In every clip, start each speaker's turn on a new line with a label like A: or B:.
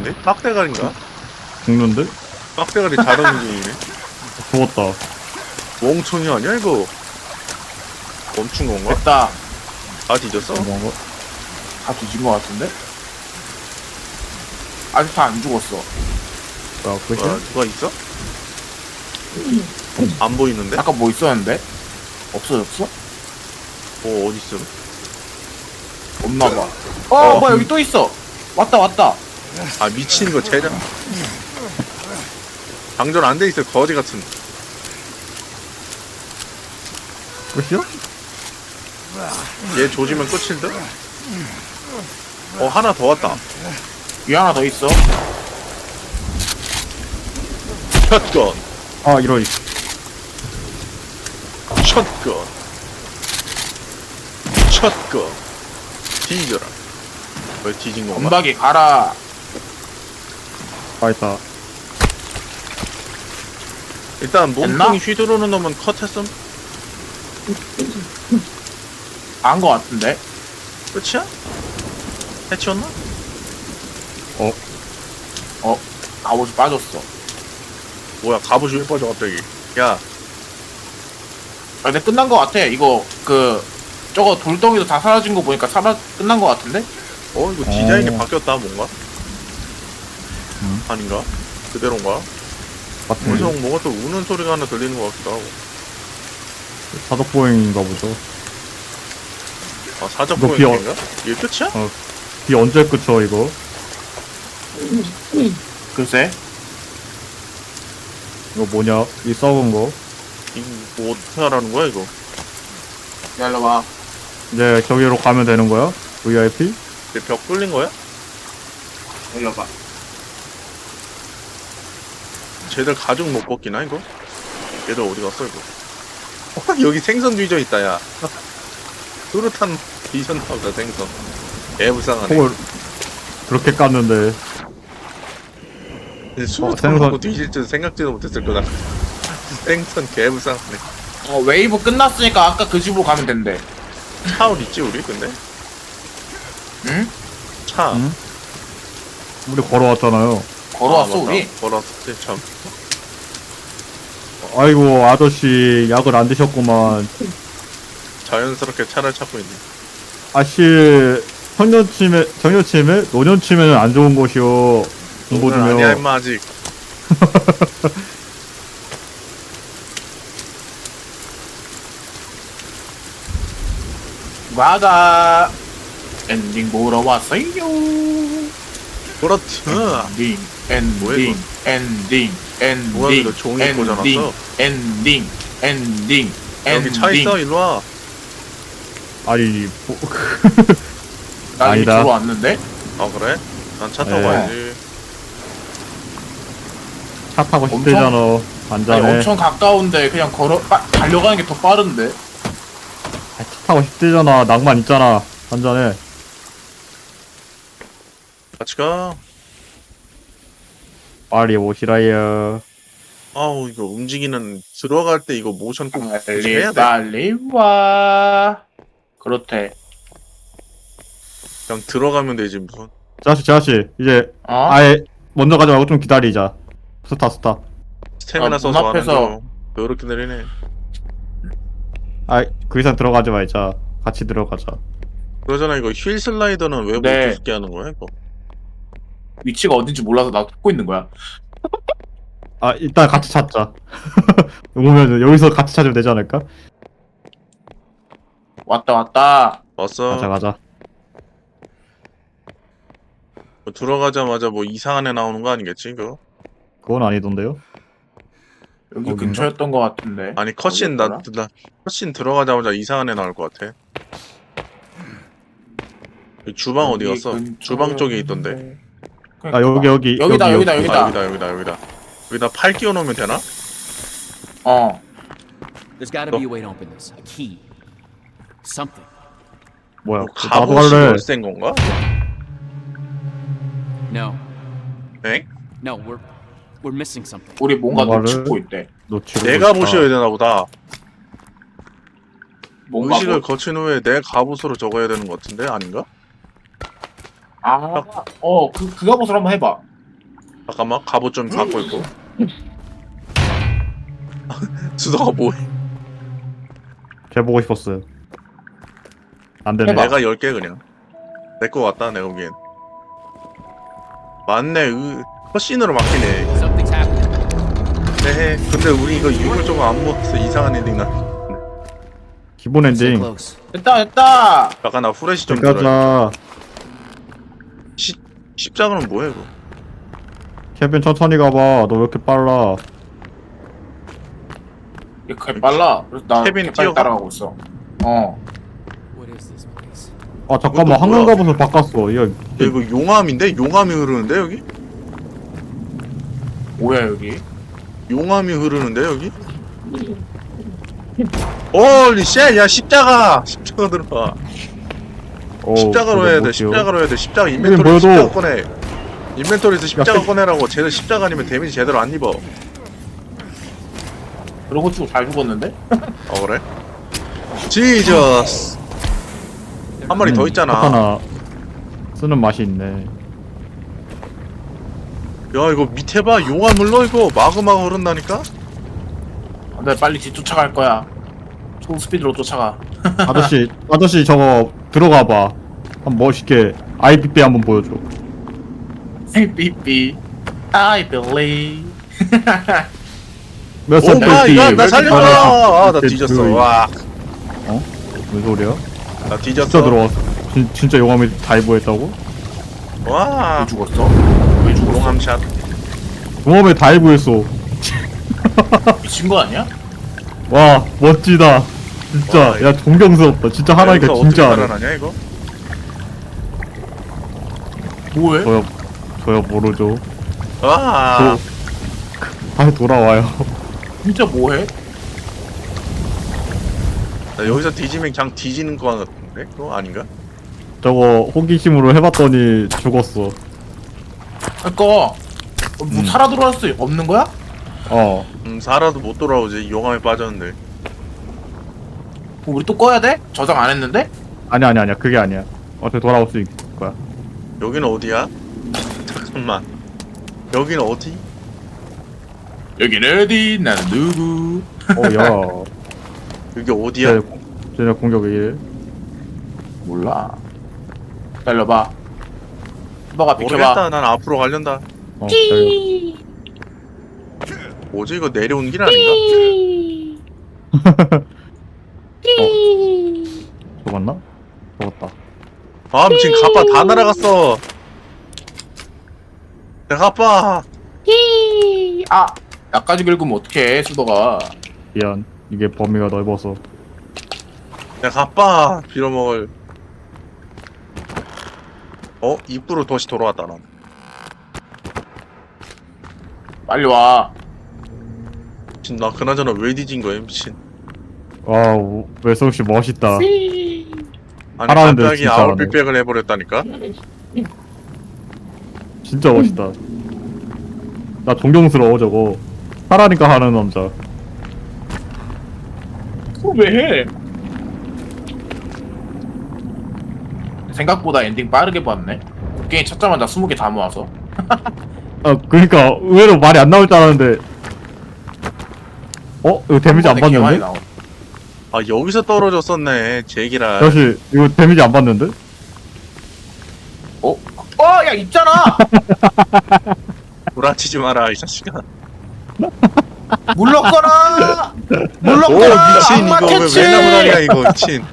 A: 움직이는데? 빡대가리인가?
B: 죽는데?
A: 빡대가리 자동 움직이네.
B: 죽었다.
A: 멍청이 아니야 이거? 멈춘 건가?
C: 됐다.
A: 다 뒤졌어?
B: 뭔가?
C: 다 뒤진 것 같은데? 아직 다 안 죽었어.
B: 뭐야, 끝이야?
A: 뭐야, 누가 있어? 안 보이는데?
C: 아까 뭐 있었는데? 없어졌어?
A: 뭐 어딨어?
C: 없나봐. 뭐야, 여기 또 있어. 왔다.
A: 아 미친 거 제작 장전 안 돼 있어 거지 같은.
B: 끝이야?
A: 얘 조지면 끝일 듯? 하나 더 왔다.
C: 위 하나 더 있어.
A: 샷건
B: 아, 이런.
A: 샷건 샷건 뒤져라. 왜 뒤진 건가?
C: 건박이 가라.
B: 아, 있다.
A: 일단 몸통이
C: 됐나?
A: 휘두르는 놈은 컷했음.
C: 안 것 같은데?
A: 끝이야? 해치웠나?
C: 갑옷이 빠졌어.
A: 뭐야 갑옷이 왜 빠져 갑자기. 야
C: 근데 끝난 것 같아. 이거 저거 돌덩이도 다 사라진 거 보니까 끝난 것 같은데?
A: 이거 디자인이
B: 어.
A: 바뀌었다 뭔가? 아닌가? 그대로인가? 어디서
B: 같은데?
A: 뭐가 또 우는 소리가 하나 들리는 것 같기도 하고.
B: 사독보행인가 보죠.
A: 아 사적
B: 이거
A: 보행인가? 이게 끝이야?
B: 이 언제 끝쳐, 이거?
C: 글쎄.
B: 이거 뭐냐? 이 썩은 거.
A: 이거 뭐 어떻게 하라는 거야 이거?
C: 기다려봐.
B: 이제 저기로 가면 되는 거야? VIP?
A: 내 벽 뚫린 거야?
C: 기다려봐.
A: 쟤들 가죽 못 벗기나 이거? 얘들 어디 갔어 이거? 여기 생선 뒤져 있다 야. 뚜렷한 뒤졌나 보다 생선. 애불쌍하네.
B: 폭을 그렇게 깠는데.
A: 수류탄
B: 생선.
A: 먹고 뒤질 줄 생각지도 못했을 거다. 생선 개불쌍하네.
C: 웨이브 끝났으니까 아까 그 집으로 가면 된대.
A: 차 어디 있지 우리 근데?
C: 응?
A: 차.
B: 응? 우리 걸어왔잖아요.
C: 걸어왔어,
A: 맞다.
C: 우리?
A: 걸어왔지 참.
B: 아이고, 아저씨, 약을 안 드셨구만.
A: 자연스럽게 차를 찾고 있네.
B: 아씨, 청년침에, 노년침에는 안 좋은 곳이요. 공부
A: 오늘 아니야
B: 중요.
A: 임마 아직.
C: 와가 엔딩 보러 왔어요.
A: 그렇지. 뭐야, 이거? 뭐야, 이거 종이 꽂아놨어?
C: 엔딩.
A: 여기 차 있어 일로 와.
B: 아니,
C: 나 이미
B: 아니다.
C: 들어왔는데?
A: 아 그래? 난 차 타고
B: 네.
A: 가야지.
B: 차 타고
C: 엄청-
B: 싶대잖아.
C: 아니,
B: 안전해.
C: 엄청 가까운데 그냥 달려가는 게 더 빠른데?
B: 차 타고 싶대잖아. 낭만 있잖아. 안전해.
A: 같이 가.
B: 빨리 오시라요.
A: 아우 이거 움직이는 들어갈 때 이거 모션 꼭 해야 돼.
C: 빨리 와. 그렇대.
A: 그냥 들어가면 되지 무슨.
B: 자씨, 이제
C: 어?
B: 아예 먼저 가지 말고 좀 기다리자. 스타.
A: 스태미나
C: 문
A: 써서 하는
C: 앞에서-
A: 거. 이렇게 내리네.
B: 그 이상 들어가지 말자. 같이 들어가자.
A: 그러잖아 이거 휠 슬라이더는 왜 못
C: 네.
A: 죽게 하는 거야 이거?
C: 위치가 어딘지 몰라서 나 찾고 있는 거야.
B: 일단 같이 찾자. 오면 여기서 같이 찾으면 되지 않을까?
C: 왔다.
A: 왔어.
B: 가자.
A: 뭐 들어가자마자 뭐 이상한 애 나오는 거 아니겠지 이거?
B: 그건 아니던데요?
C: 여기
B: 어딘가?
C: 근처였던 것 같은데.
A: 아니 컷신 나 컷신 들어가자마자 이상한 애 나올 것 같아. 여기 주방 어디
C: 여기
A: 갔어?
C: 근처였는데.
A: 주방 쪽에 있던데.
B: 아, 여기.
C: 여기다.
A: 아, 여기다 팔 끼워 놓으면 되나?
C: 어.
D: There's gotta be a way to open this. A key. Something.
B: 뭐야?
A: 뭐
B: 나도
A: 갑옷이
B: 할래.
A: 열쇠인 건가?
D: No.
A: 엥?
D: No, we're missing something.
C: 우리 뭔가
B: 뭔가를-
C: 놓치고 있대.
B: 놓치고
A: 내가
B: 있다.
A: 보셔야 되나 보다.
C: 뭔가
A: 의식을 거친 후에 내 갑옷으로 적어야 되는 것 같은데 아닌가?
C: 그 갑옷을 한번 해봐.
A: 잠깐만 갑옷 좀 바꿔 입고. 수도가 뭐해?
B: 걔 보고 싶었어요. 안 되네.
C: 해봐.
A: 내가 10개 그냥. 내 거 같다 내가 보기엔. 맞네. 컷신으로 막히네.
D: Something's happening.
A: 네. 근데 우리 이거 유물 조금 안 먹었어. 이상한 엔딩 나.
B: 기본
D: So
B: 엔딩.
D: close.
C: 됐다.
A: 잠깐 나 후레쉬 좀 들어.
B: 가자.
A: 십자가는 뭐야 이거?
B: 케빈 천천히 가봐. 너 왜 이렇게 빨라?
C: 이게 개 빨라. 그래서 나
A: 케빈
C: 개빨리
A: 뛰어가?
C: 따라가고 있어. 어.
D: What is this place?
B: 아 잠깐만,
A: 이것도
B: 황금
A: 뭐야?
B: 갑옷을 바꿨어. 이거
A: 야, 이거 용암인데? 용암이 흐르는데 여기?
C: 뭐야 여기?
A: 용암이 흐르는데 여기? 홀리 쉣! 야 십자가! 십자가 들어가. 십자가로 해야 돼. 십자가로 해야 돼. 십자가 인벤토리
B: 보여줘.
A: 십자가 꺼내. 인벤토리에서 십자가 꺼내라고. 쟤들 십자가 아니면 데미지 제대로 안 입어.
C: 그러고 치고 잘 죽었는데?
A: 어 그래? 지저스. 한 마리 더 있잖아.
B: 하나 쓰는 맛이 있네.
A: 야 이거 밑에 봐. 용암 흘러 이거. 마그마가 흐른다니까?
C: 안돼 빨리 뒤쫓아갈 거야. 초스피드로 쫓아가.
B: 아저씨 저거 들어가봐. 한번 멋있게 IPP 한번 보여줘.
C: 삐삐. I believe.
B: 몇
A: 오
B: 살
A: 마이 갓! 나
B: 때
A: 살려줘! 아 나 뒤졌어. 와.
B: 무슨 소리야?
A: 나
B: 진짜
A: 뒤졌어.
B: 들어왔어. 진짜 용암이 다이브했다고?
A: 와.
C: 왜 죽었어? 왜 죽었어?
A: 용암샷.
B: 용암에 다이브했어.
C: 미친 거 아니야?
B: 와 멋지다. 진짜
A: 와,
B: 야 존경스럽다. 진짜 하나니까
A: 여기서
B: 진짜
A: 어떻게
B: 하네.
A: 살아나냐 이거?
C: 뭐해?
B: 저요 모르죠.
A: 와.
B: 다시 돌아와요.
C: 진짜 뭐해?
A: 나 여기서 뒤지면 그냥 뒤지는 거 같은데? 그거 아닌가?
B: 저거 호기심으로 해봤더니 죽었어.
C: 그니까 뭐 살아 돌아올 수 없는 거야?
B: 어.
A: 살아도 못 돌아오지. 용암에 빠졌는데.
C: 그럼 우리 또 꺼야 돼? 저장 안 했는데?
B: 아니야 그게 아니야. 어떻게 돌아올 수 있을 거야.
A: 여기는 어디야? 잠깐만. 여기는 어디?
C: 여긴 어디? 나는 누구?
B: 야.
A: 여기 어디야?
B: 쟤네 공격 왜 이래?
C: 몰라. 기다려봐. 너가 비켜봐.
A: 모르겠다. 난 앞으로 가련다.
B: 기다려.
A: 뭐지 이거 내려온 길 아닌가?
B: 죽었나? 죽었다.
A: 아 미친 가빠 다 날아갔어. 내 가빠.
C: 아! 나까지 긁으면 어떡해 수도가.
B: 미안. 이게 범위가 넓어서.
A: 내 가빠 빌어먹을. 입구로 다시 돌아왔다 난.
C: 빨리 와.
A: 미친 나 그나저나 왜 뒤진 거야 미친.
B: 와우 외성씨 멋있다.
A: 아니
B: 하라는데
A: 갑자기
B: 진짜
A: 아웃빅백을 해버렸다니까?
B: 진짜 멋있다. 나 존경스러워 저거. 하라니까 하는 남자.
C: 그거 왜 해? 생각보다 엔딩 빠르게 봤네. 게임 찾자마자 20개 다 모아서.
B: 아 그러니까 의외로 말이 안 나올 줄 알았는데. 이거 데미지 안
C: 한 번에 개 많이
B: 받는데?
C: 나와.
A: 아 여기서 떨어졌었네 제기라.
B: 다시 이거 데미지 안 받는데?
C: 야 있잖아.
A: 구라치지 마라 이 자식아.
C: 물렀거라.
A: 오
C: 물렀거라.
A: 미친 이거 왜 맨나무다리야 이거 미친.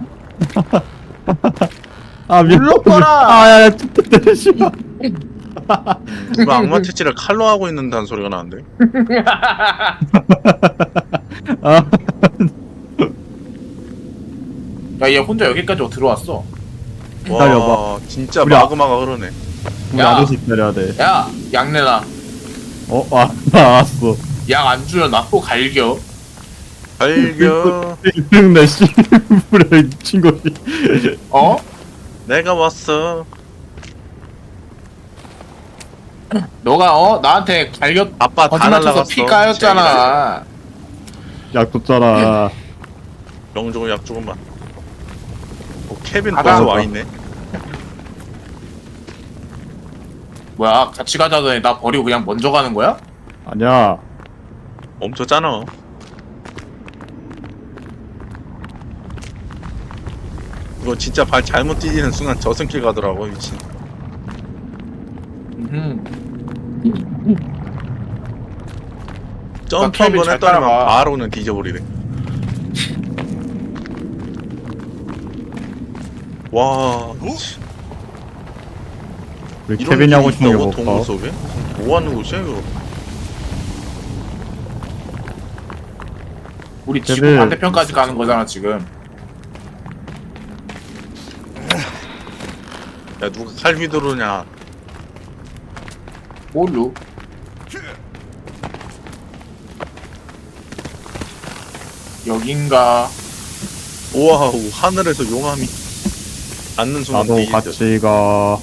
B: 아 미안.
C: 물러거라.
B: 아야야 진짜 씨발.
A: 누가 악마 채취를 칼로 하고 있는다는 소리가 나는데.
B: 아
C: 야얘 혼자 여기까지 들어왔어.
B: 기다려봐.
A: 와 진짜
B: 우리
A: 마그마가 흐르네.
B: 우리
C: 야.
B: 아저씨 기다려야 돼.
C: 야 약 내놔.
B: 알았어.
C: 약 안 주면 나 또 갈겨.
A: 발견.
B: 내 씨부레 미친 거지.
C: 어?
A: 내가 왔어.
C: 너가 나한테 갈겨
A: 아빠 다
C: 거짓말 쳐서
A: 날라갔어.
C: 피 까였잖아.
B: 약 줬잖아.
A: 영종은 약 조금만. 케빈
C: 아,
A: 벌써
C: 나왔다.
A: 와 있네.
C: 뭐야 같이 가자더니 나 버리고 그냥 먼저 가는 거야?
B: 아니야.
A: 멈췄잖아. 이거 진짜 발 잘못 디디는 순간 저승길 가더라고 미친. 점프
C: 케빈
A: 한번
C: 잘
A: 했더니만
C: 따라가.
A: 바로는 뒤져버리네. 와.
B: 우리
A: 이런
B: 케빈이 하고
A: 길이
B: 싶은 게
A: 있다고?
B: 뭘까?
A: 동굴 속에? 뭐 하는 곳이야 이거?
C: 우리 지구
B: 걔들-
C: 반대편까지 가는 거잖아 지금.
A: 야 누가 칼 휘두르냐?
C: 뭘로? 여긴가?
A: 우와 하늘에서 용암이 앉는 순간
B: 나도
A: 뒤진다.
B: 같이 가.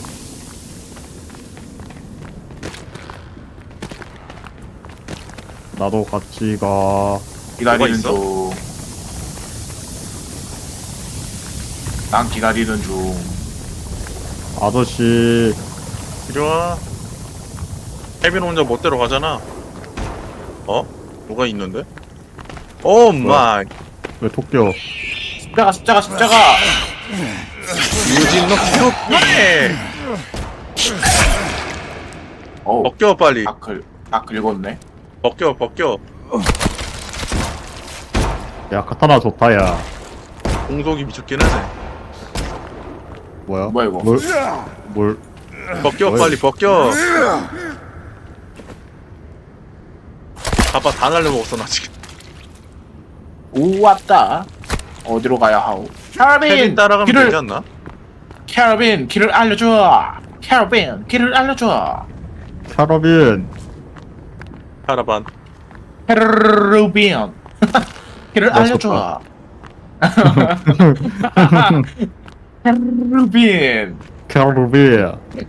B: 나도 같이 가.
C: 기다리는
A: 있어?
C: 중. 난 기다리는 중.
B: 아저씨.
A: 이리 와. 케빈 혼자 멋대로 가잖아. 어? 누가 있는데? 오 마이.
B: 왜 토끼요?
C: 십자가.
A: 유진 너 기록해.
C: 어우,
A: 벗겨 빨리.
C: 딱 긁었네.
A: 벗겨.
B: 야, 카타나 좋다, 야.
A: 공속이 미쳤긴 하네.
B: 뭐야?
C: 뭐야, 이거?
B: 뭘?
A: 벗겨
B: 어이.
A: 빨리 벗겨. 봐봐 다 날려먹었어 나 지금.
C: 오, 왔다. 어디로 가야 하오?
A: 케빈
C: 캐러빈!
A: 따라가면 되지 않나?
C: 캐러빈, 길을 알려줘! 캐러빈, 길을 알려줘!
B: 캐러빈.
A: 카라반.
C: 캐러빈! 길을
B: 나
C: 알려줘! 캐러빈!
B: 캐러빈.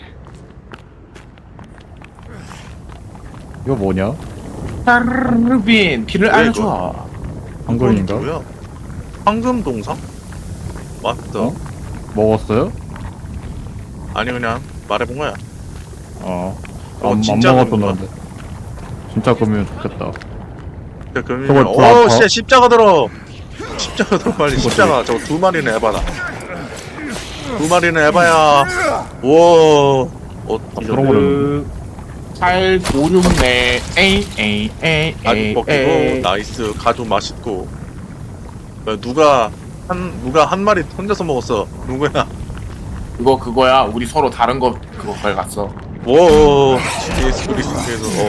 B: 이거 뭐냐?
C: 캐러빈! 길을
A: 뭐야,
C: 알려줘!
B: 한글인가?
A: 뭐야? 황금 동상? 맞다.
B: 어? 먹었어요?
A: 아니 그냥 말해본 거야.
B: 안
A: 진짜
B: 먹었었는데. 진짜 그러면 좋겠다.
A: 그러면
B: 저걸 더 아파?
A: 씨 십자가 들어. 십자가 들어 빨리. 십자가 저거 두 마리는 에바다. 두 마리는 에바야. 우와.
B: 그런 거는
C: 8, 5, 6, 4, 에이,
A: 아주 먹히고 나이스 가죽 맛있고. 야, 누가 한 마리 혼자서 먹었어. 누구야?
C: 그거야. 우리 서로 다른 거 그거 걸갔어.
A: 오. 예수 그리스도께서.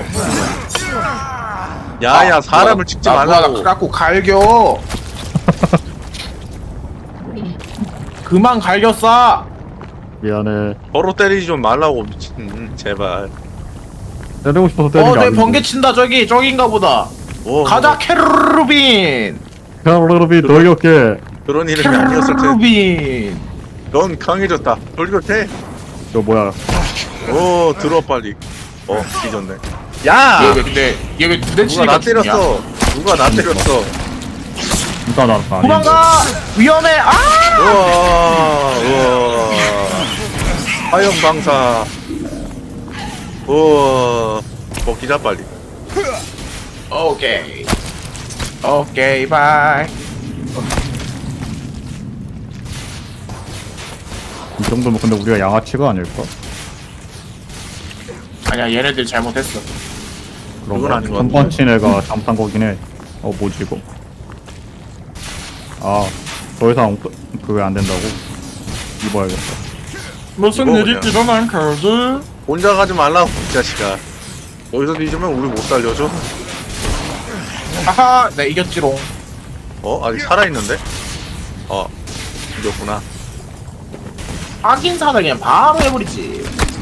A: 야야 사람을 찍지 말라고.
C: 갖고 갈겨. 그만 갈겼어.
B: 미안해.
A: 서로 때리지 좀 말라고 미친. 제발.
B: 때리고 싶어서 때리는 게
C: 내
B: 아닌데.
C: 번개 친다 저긴가 보다.
A: 오,
C: 가자 캐르빈.
B: 캐러빈 돌격해.
A: 그런 이름이 아니었을 텐데.
C: 캐르빈.
A: 넌 강해졌다. 돌격해.
B: 저 뭐야?
A: 오 들어 빨리. 뒤졌네. 야!
C: 얘 왜
A: 누가
C: 두대 치니까
A: 나
C: 죽냐?
A: 때렸어. 누가 나 때렸어.
B: 진짜 나는 아닌데.
C: 도망가. 위험해. 아!
A: 우와. 화염 방사. 우와. 먹기자 빨리.
C: 오케이 바이.
B: 이 정도면 근데 우리가 양아치가 아닐까?
C: 아니야 얘네들 잘못했어.
B: 그런
A: 그건 아닌 것
B: 한 번 친 애가 잠탄 거긴 해. 뭐지 이거? 더 이상 그게 안 된다고? 입어야겠다.
C: 무슨
A: 이거
C: 일이
A: 그냥.
C: 일어난 거지?
A: 혼자 가지 말라고 이 자식아. 거기서 뒤지면 우리 못 살려줘.
C: 하하, 내 이겼지롱.
A: 아직 살아있는데? 이겼구나.
C: 하긴 사다 그냥 바로 해버리지.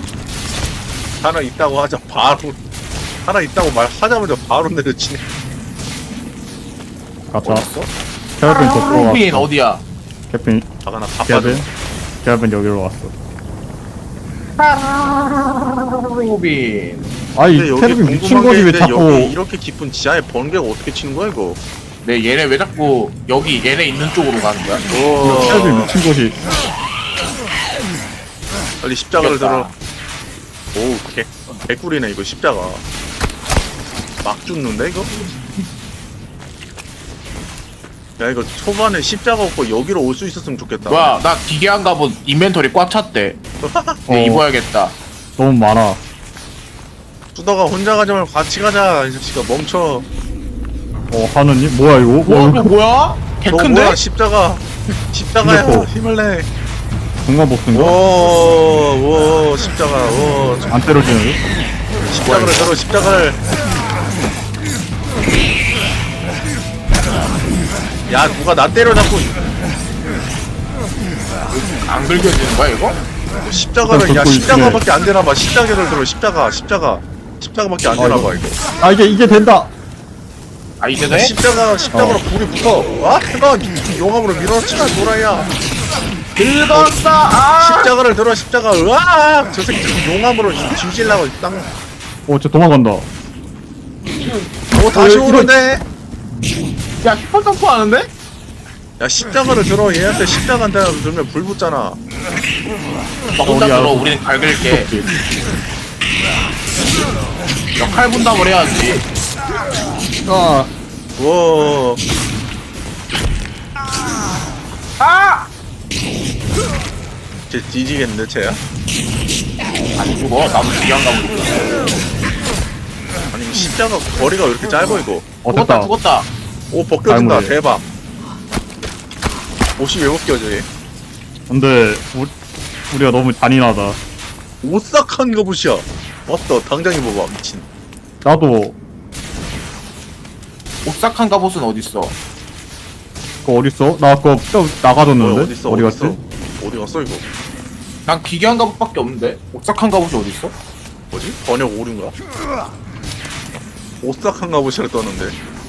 A: 살아있다고 하자 바로. 살아있다고 말하자마자 바로 내려치네.
B: 가자.
C: 어딨어?
B: 캐러빈 저쪽으로
C: 루빈
B: 왔어.
C: 어디야?
B: 캐러빈
A: 아가나 바빠져.
B: 캐러빈 여기로 왔어.
C: 루빈.
B: 아이
A: 근데 여기
B: 캐러빈 미친
A: 궁금한 게
B: 거지 왜
A: 있는데
B: 자꾸?
A: 여기 이렇게 깊은 지하에 번개가 어떻게 치는 거야 이거?
C: 네 얘네 왜 자꾸 여기 얘네 있는 쪽으로 가는 거야?
B: 캐러빈 미친 거지.
A: 빨리 십자가를
C: 이겼다.
A: 들어. 오, 개꿀이네 이거 십자가. 막 죽는데 이거? 야 이거 초반에 십자가 없고 여기로 올 수 있었으면 좋겠다.
C: 뭐야 나 기괴한 갑옷 인벤토리 꽉 찼대. 네, 입어야겠다.
B: 너무 많아.
A: 수다가 혼자 가지 말고 같이 가자. 이 자식아 멈춰.
B: 하느님? 뭐야 이거?
C: 뭐야 이거 뭐야?
A: 너
C: 개큰데?
A: 뭐야 십자가. 십자가야.
B: 이거.
A: 힘을 내.
B: 공간 복수인가?
A: 오 십자가. 오
B: 안 때려지는?
A: 십자가를 들어 십자가를. 야 누가 나 때려잡고
C: 안 긁혀지는 거야 이거?
A: 십자가를 야
B: 걷고
A: 십자가밖에 안 되나봐. 십자가를 들어 십자가밖에 안 되나봐 이거.
B: 아 이게 된다.
C: 아 이제 돼?
A: 십자가로 불이 붙어. 와 대박. 용암으로 밀어치나 노라야.
C: 긁었어. 아.
A: 십자가를 들어 십자가. 으아 저 새끼 용암으로 뒤질라고 땅.
B: 저 도망간다.
A: 오 다시
B: 이거-
A: 오는데.
C: 야 슈퍼 점프 하는데?
A: 야 십자가를 들어. 얘한테 십자가한테 들면 불 붙잖아.
C: 나 혼자
B: 어디야?
C: 들어. 우리는 갈길게. 역할 분담을 해야지.
B: 아
A: 우와.
C: 아!
A: 쟤 뒤지겠는데 쟤야?
C: 안 죽어. 나도 기괴한 갑옷 있어.
A: 아니 십자가 거리가 왜 이렇게 짧아 이거?
C: 죽었다
B: 됐다.
C: 죽었다.
A: 오 벗겨진다.
B: 아이고, 예.
A: 대박. 옷이 왜 벗겨져 얘?
B: 근데 우리가 너무 잔인하다.
A: 오싹한 갑옷이야. 맞다. 당장 입어봐 미친.
B: 나도
C: 옥삭한 갑옷은 어딨어?
B: 그거 어딨어? 나 그거 나가줬는데?
A: 어디 있어?
B: 어디
A: 어디
B: 갔지?
A: 있어? 어디 갔어 이거?
C: 난 기괴한 갑옷밖에 없는데? 옥삭한 갑옷이 어딨어?
A: 뭐지? 번역 오류인가? 오싹한 갑옷이라 떴는데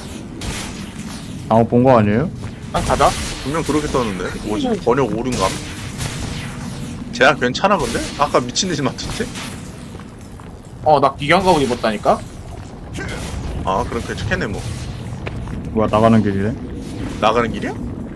B: 잘못 본 거 아니에요?
C: 난 가자.
A: 분명 그렇게 떴는데 뭐지? 번역 오류인가? 쟤야 괜찮아 근데? 아까 미친듯이 맞췄지?
C: 나 기괴한 갑옷 입었다니까?
A: 아 그럼 괜찮겠네 뭐.
B: 뭐야 나가는 길이래?
A: 나가는 길이야?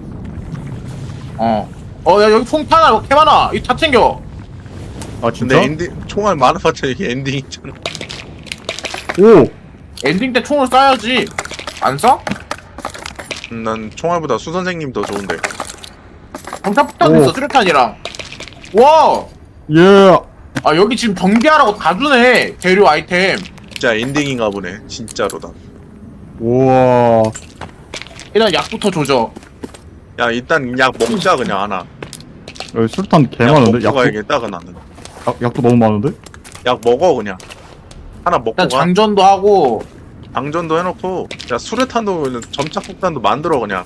C: 야 여기 폭탄 개 많아. 이거 다 챙겨.
B: 아 진짜?
A: 근데 엔딩 총알 많아봤자 이게 엔딩 있잖아.
B: 오!
C: 엔딩 때 총을 쏴야지. 안 쏴?
A: 난 총알보다 수 선생님 더 좋은데.
C: 경찰 폭탄
B: 오.
C: 있어. 수류탄이랑. 와!
B: 예!
C: 아 여기 지금 경비하라고 다 주네. 재료 아이템.
A: 진짜 엔딩인가 보네 진짜로다.
B: 우와.
C: 일단 약부터 조져.
A: 야 일단 약 먹자 그냥 하나.
B: 여기 술탄 개
A: 약
B: 많은데?
A: 먹고
B: 약도,
A: 가야겠다 나는.
B: 약도 너무 많은데?
A: 약 먹어 그냥. 하나 먹고
C: 일단
A: 가.
C: 장전도 하고.
A: 방전도 해놓고 야 수류탄도 점착폭탄도 만들어 그냥.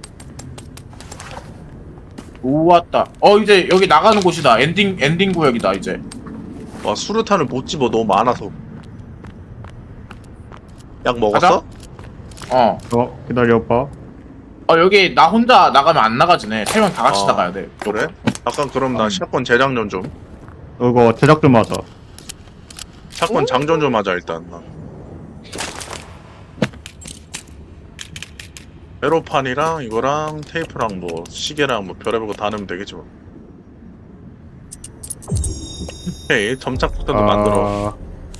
C: 우왔다. 이제 여기 나가는 곳이다. 엔딩 구역이다 이제.
A: 와 수류탄을 못 집어 너무 많아서. 약 먹었어?
B: 기다려봐.
C: 여기 나 혼자 나가면 안 나가지네. 세 명 다 같이
A: 어,
C: 나가야 돼.
A: 그래? 잠깐 그럼 나 샷건 재장전 좀.
B: 이거 제작 좀 하자.
A: 샷건 장전 좀 하자 일단. 나. 회로판이랑 이거랑 테이프랑 뭐 시계랑 뭐 별의별 거 다 넣으면 되겠지 뭐. 오케이 점착폭탄도 만들어.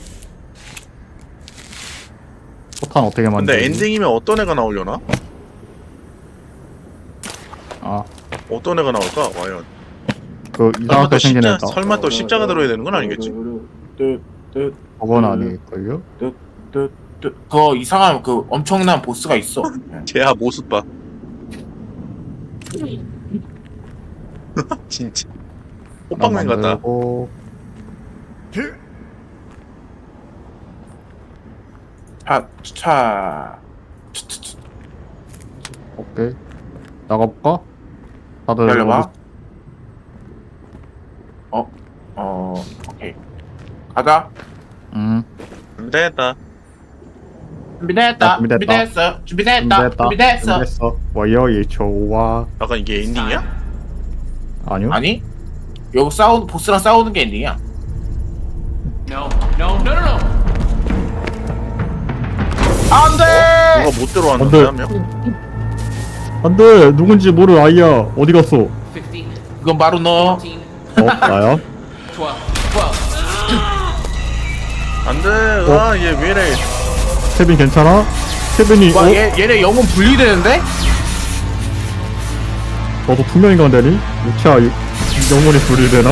B: 포탄 어떻게 만들어?
A: 근데 엔딩이면 어떤 애가 나오려나? 어떤 애가 나올까? 과연
B: 그
A: 설마
B: 이상하게
A: 또
B: 생긴
A: 십자,
B: 애다.
A: 설마 또 십자가 들어야 되는 건 아니겠지?
B: 그건 아닐걸요?
C: 그거 이상한 그 엄청난 보스가 있어.
A: 쟤야 모습 봐. 진짜 호빵맨 같다.
B: 만들고.
C: 차.
B: 오케이. 나가볼까? 다들
C: 기다려봐. 오케이. 가자.
A: 됐다.
C: 준비됐다.
B: 준비됐다.
C: 준비됐어.
B: 와요 좋아.
A: 약간 이게 엔딩이야?
B: 아니요?
C: 아니? 여기 보스랑 싸우는 게 엔딩이야.
D: No, no, no, no, no.
C: 안 돼!
A: 누가 못 들어왔는데 한 명?
B: 안돼 누군지 모를 아이야. 어디 갔어?
D: 15,
C: 그건 바로 너.
D: 14,
B: 나야?
D: 12, 12.
A: 안돼. 아얘 왜래?
B: 케빈 괜찮아? 케빈이
C: 와, 얘네 영혼 분리되는데?
B: 너도 투명인간 되니? 유치아 영혼이 분리되나?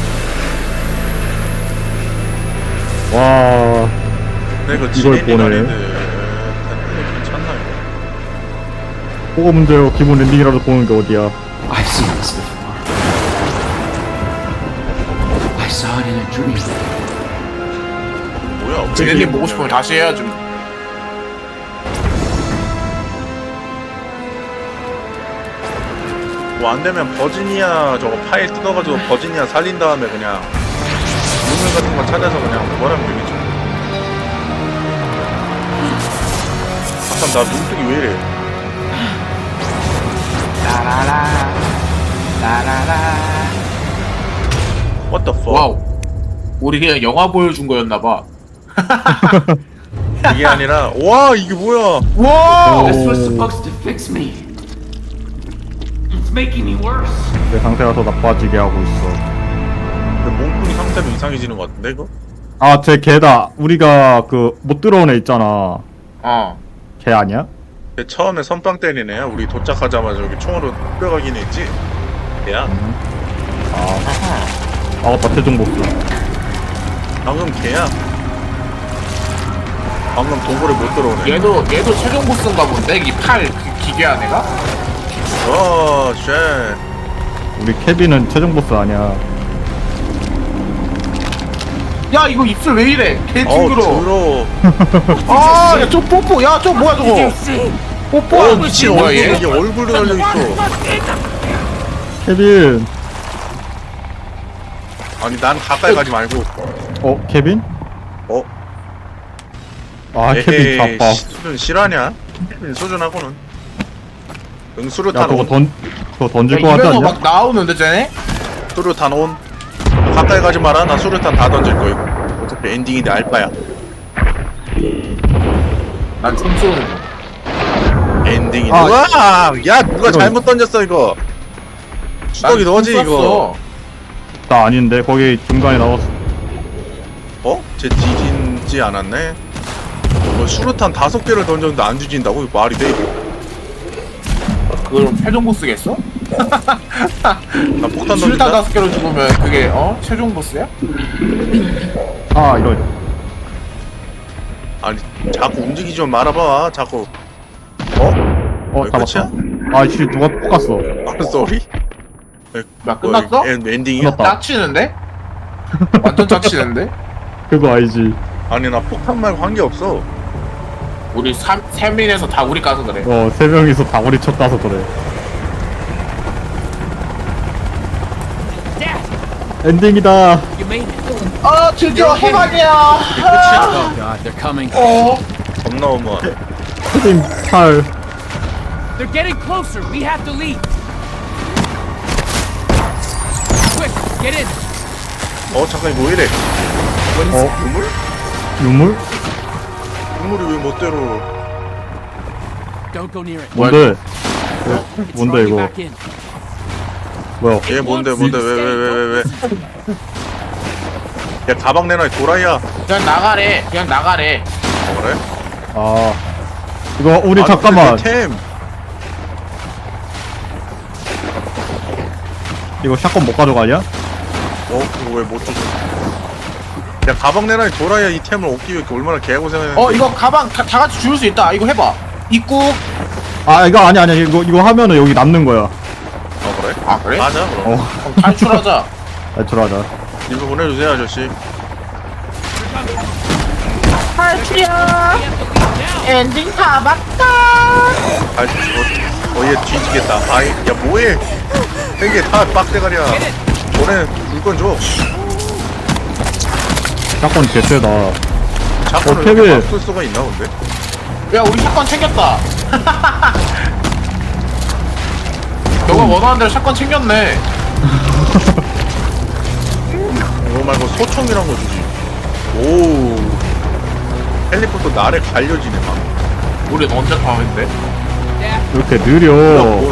B: 와
A: 내가
B: 이걸
A: 지린이가
B: 보네.
A: 아닌데. 괜찮나 이거?
B: 뭐가 문제요? 기본 엔딩이라도 보는 게 어디야?
D: I've seen this before. I saw it in a dream.
A: 뭐야?
C: 쟤네님 보고 싶으면 다시 해야지.
A: 뭐 안되면 버지니아 저거 파일 뜯어가지고 버지니아 살린 다음에 그냥 유물 같은 거 찾아서 그냥 뭐라면 되겠지. 잠깐 나 눈뜨기 왜 이래?
C: 라라라 라라라.
A: What the fuck?
C: 와우. 우리 그냥 영화 보여준 거였나봐.
A: 이게 아니라 와 이게 뭐야?
C: 와.
D: This was supposed to fix me. It's making me worse.
B: 내 상태가 더 나빠지게 하고 있어.
A: 근데 몽둥이 상태도 이상해지는 것 같은데 이거?
B: 아, 쟤 걔다. 우리가 그 못 들어온 애 있잖아.
C: 어.
B: 걔 아니야?
A: 근데 처음에 선빵 때리네. 우리 도착하자마자 여기 총으로 뿌려가긴 했지. 걔야.
B: 아, 맞다. 최종 보스.
A: 방금 걔야. 방금 동굴에 못 들어오네.
C: 얘도 최종 보스인가 본데 이 팔 기괴한 애가?
A: 와, 쉣.
B: 우리 케빈은 최종 보스 아니야.
C: 야 이거 입술 왜 이래? 개 징그러.
A: 들어.
C: 아, 야 저 뽀뽀. 야 저 뭐야 저거? 뽀뽀.
A: 미친
C: 뭐야
A: 얼굴,
C: 얘?
A: 이게 얼굴도 달려있어.
B: 케빈.
A: 아니, 난 가까이 가지 말고.
B: 케빈?
A: 어?
B: 아, 케빈 자빠.
A: 수준 실화냐? 수준하고는. 응,
B: 야,
A: 수류탄
B: 그거
A: 온.
B: 그거 던질
C: 야,
B: 거 같지
C: 입에서
B: 않냐?
C: 막 나오는데 쟤네?
A: 수류탄 온. 가까이 가지 마라. 나 수류탄 다 던질 거야. 어차피 엔딩인데 알바야.
C: 난 총 쏘는 거.
A: 엔딩인데.
B: 아,
A: 와! 야, 누가
B: 이거-
A: 잘못 던졌어, 이거. 수덕이
C: 난
A: 너지,
C: 총
A: 이거.
C: 쐈어.
B: 나 아닌데 거기 중간에 나왔어.
A: 어? 쟤 뒤진지 않았네? 뭐 수류탄 5개를 던졌는데 안 뒤진다고? 이거 말이 돼?
C: 그럼 최종 보스겠어?
A: 나 폭탄
C: 술탄
A: 던진다?
C: 5개로 죽으면 그게 최종 보스야?
B: 아, 이런.
A: 아니 자꾸 움직이지 좀 말아봐. 자꾸. 어? 왜
B: 잡았다.
A: 끝이야?
B: 아, 씨, 누가 뽑았어.
A: 아, 쏘리?
C: 야 끝났어?
A: 엔딩이야?
B: 끝났다.
C: 짝치는데? 완전 짝치는데?
B: 그거 알지?
A: 아니 나 폭탄 말고 한 게 없어.
C: 우리 3인에서 다 우리 까서 그래.
B: 3명이서 다구리 쳤다서 그래. 엔딩이다.
D: You made it.
C: 아 드디어 해방이야.
A: 이게 끝이야?
D: Oh God, they're coming.
A: 겁나 어마어마해.
B: 케빈 찰.
D: They're getting closer. We have to leave. Quick, get in.
A: 잠깐 이거 왜 이래? 눈물?
B: 유물?
A: 눈물이 왜 멋대로.
D: Don't go near it.
B: 뭔데?
D: It's
B: 뭔데
D: throwing you
B: 이거?
D: back in.
B: 뭐야?
A: 얘 뭔데 왜? 야 가방 내놔 이 도라이야.
C: 그냥 나가래. 그냥 나가래.
A: 그래?
B: 아, 이거 우리
A: 아니,
B: 잠깐만.
A: 근데 내 템.
B: 이거 샷건 못 가져가냐?
A: 그거 왜 못 주고? 야 가방 내놔 이 도라이야. 이 템을 얻기 위해 얼마나 개고생했는데.
C: 이거 가방 다 같이 줄 수 있다. 이거 해봐. 입국.
B: 아, 이거 아니야. 이거 하면은 여기 남는 거야.
A: 그래?
C: 아 그래?
A: 맞아 그럼.
C: 그럼 탈출하자.
B: 들어가자.
A: 이거 보내주세요 아저씨.
C: 탈출이야. 엔딩 다 봤다.
A: 얘 뒤지겠다. 야 뭐해? 이게 다 빡대가리야. 너네 물건 줘.
B: 샷건 개쎄다.
A: 자꾸
B: 케빈.
A: 이렇게 막쓸 수가 있나 본데?
C: 야 우리 샷건 챙겼다. 너가 원하는 대로 샷건 챙겼네.
A: 이거 말고 소총이란 거 주지. 오. 헬리콥터 나를 갈려지네 막.
C: 우린 언제 밤인데?
B: 이렇게 느려.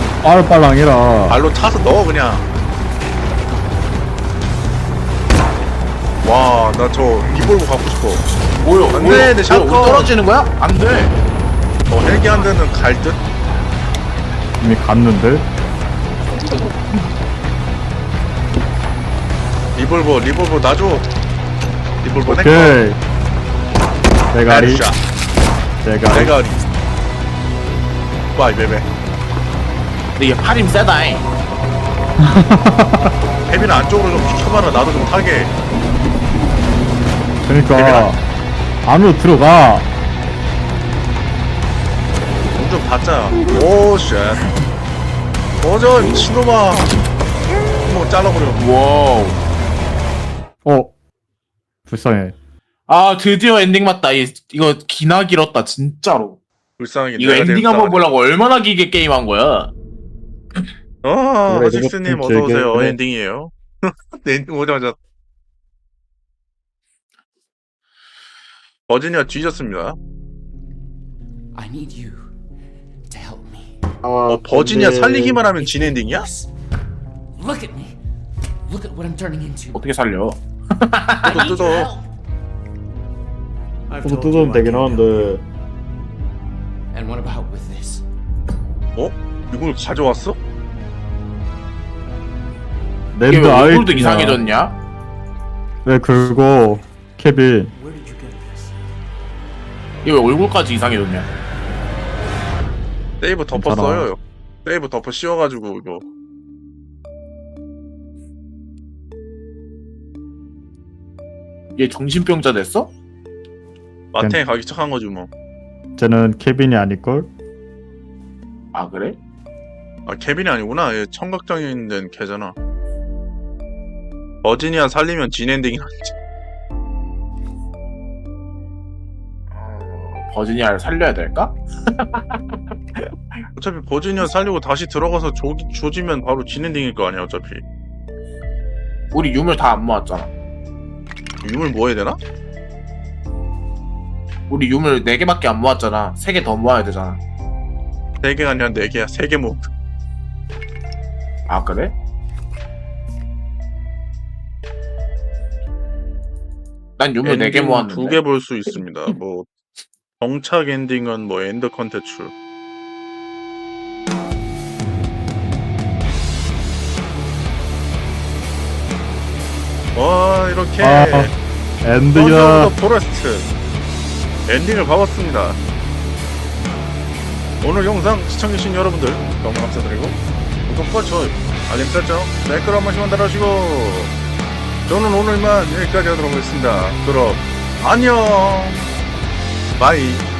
B: 빠르빨랑해라.
A: 발로 차서 넣어 그냥. 와, 나 저 리볼버 갖고 싶어.
C: 뭐요?
A: 안
C: 뭐요?
A: 돼, 내 샷건.
C: 뭐요? 떨어지는 거야? 안 돼.
A: 헬기 한 대는 갈 듯?
B: 이미 갔는데.
A: 리볼버 놔줘. 리볼버 내 거.
B: 오케이. 대가리.
A: 헤드샷.
B: 대가리.
A: 대가리. 와이 베베.
C: 근데 얘 팔임 세다잉.
A: 혜빈아 안쪽으로 좀 비켜봐라. 나도 좀 타게.
B: 그러니까 안으로 들어가.
A: 좀 받자. 오 쉣. 꺼져 미친놈아. 뭐 잘라버려.
C: 와우.
B: 불쌍해.
C: 아 드디어 엔딩 맞다. 이거 기나 길었다 진짜로.
A: 불쌍하게.
C: 이거
A: 내가 제일
C: 엔딩 한번
A: 불쌍하지.
C: 보려고 얼마나 길게 게임한 거야?
A: 허식스님
B: 로봇 좀
A: 어서오세요.
B: 길게.
A: 엔딩이에요. 네, 엔딩 오자마자 버지니아 뒤졌습니다.
D: I need you to help me.
A: 버지니아 살리기만 하면 진 엔딩이야?
D: Look at me. Look at what I'm turning into.
C: 어떻게 살려?
D: I
A: 또
D: need
A: 뜯어.
D: your help.
B: 저도 뜯으면 되긴 하는데.
D: And what about with this?
A: 이걸 가져왔어?
C: 이게
B: 랜드
C: 왜
B: 아이
C: 얼굴도 이상해졌냐?
B: 왜 긁고 케빈.
C: 이게 왜 얼굴까지 이상해졌냐?
A: 세이브 덮어
B: 괜찮아.
A: 써요. 세이브 덮어 씌워가지고 이거.
C: 얘 정신병자 됐어?
A: 마탱에 가기 시작한 거지 뭐.
B: 쟤는 케빈이 아닐걸?
C: 아 그래?
A: 아 케빈이 아니구나. 얘 청각장애인 된 걔잖아. 버지니아 살리면 진 엔딩이 나지.
C: 버지니아를 살려야 될까?
A: 어차피 버지니아 살리고 다시 들어가서 조지면 바로 진 엔딩일 거 아니야 어차피.
C: 우리 유물 다 안 모았잖아.
A: 유물 뭐 해야 되나?
C: 우리 유물 4개밖에 안 모았잖아. 3개 더 모아야 되잖아.
A: 3개가 아니라 4개야. 3개 뭐.
C: 아 그래? 난 유물 4개 모았는데.
A: 2개 볼 수 있습니다. 뭐 정착 엔딩은 뭐 엔드 컨텐츠. 와 이렇게
B: 엔딩이다.
A: 포레스트 엔딩을 봐봤습니다. 오늘 영상 시청해주신 여러분들 너무 감사드리고 구독과 좋아요 알림 설정 댓글 한 번씩만 달아주시고 저는 오늘만 여기까지 하도록 하겠습니다. 그럼 안녕 바이.